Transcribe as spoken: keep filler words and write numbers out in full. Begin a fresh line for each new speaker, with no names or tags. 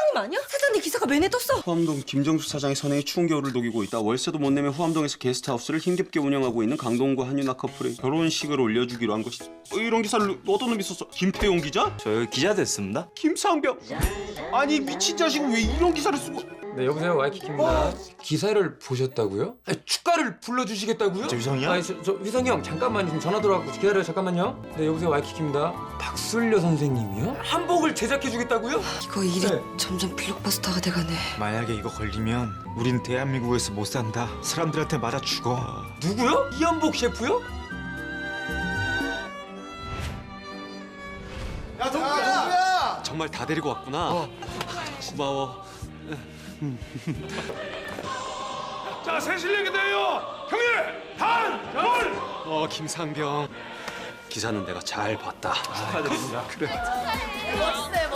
사장님 아니야? 사장님 기사가 맨에 떴어.
후암동 김정수 사장이 선행에 추운 겨울을 녹이고 있다. 월세도 못 내며 후암동에서 게스트하우스를 힘겹게 운영하고 있는 강동과 한유나 커플의 결혼식을 올려주기로 한 것이. 어, 이런 기사를 어떤 놈이 썼어? 김태용 기자?
저 기자 됐습니다.
김상병? 아니 미친 자식은 왜 이런 기사를 쓰고?
네, 여보세요. 와이키키입니다. 기사를 보셨다고요? 아니, 축가를 불러주시겠다고요?
저 위성이요?
아니, 저, 저 위성이 형 잠깐만 지금 전화 들어왔고 기다려요. 잠깐만요. 네, 여보세요. 와이키키입니다. 박술려 선생님이요? 한복을 제작해주겠다고요?
이거 일이
네.
점점 블록버스터가 돼가네.
만약에 이거 걸리면 우린 대한민국에서 못 산다. 사람들한테 맞아 죽어.
누구요? 이한복 셰프요?
야, 동구야! 동구야!
정말 다 데리고 왔구나. 고마워.
자, 새 실력이 돼요. 형님, 단, 열.
어 김상병. 기사는 내가 잘 봤다.
축하드립니다.
그래.
멋있어요,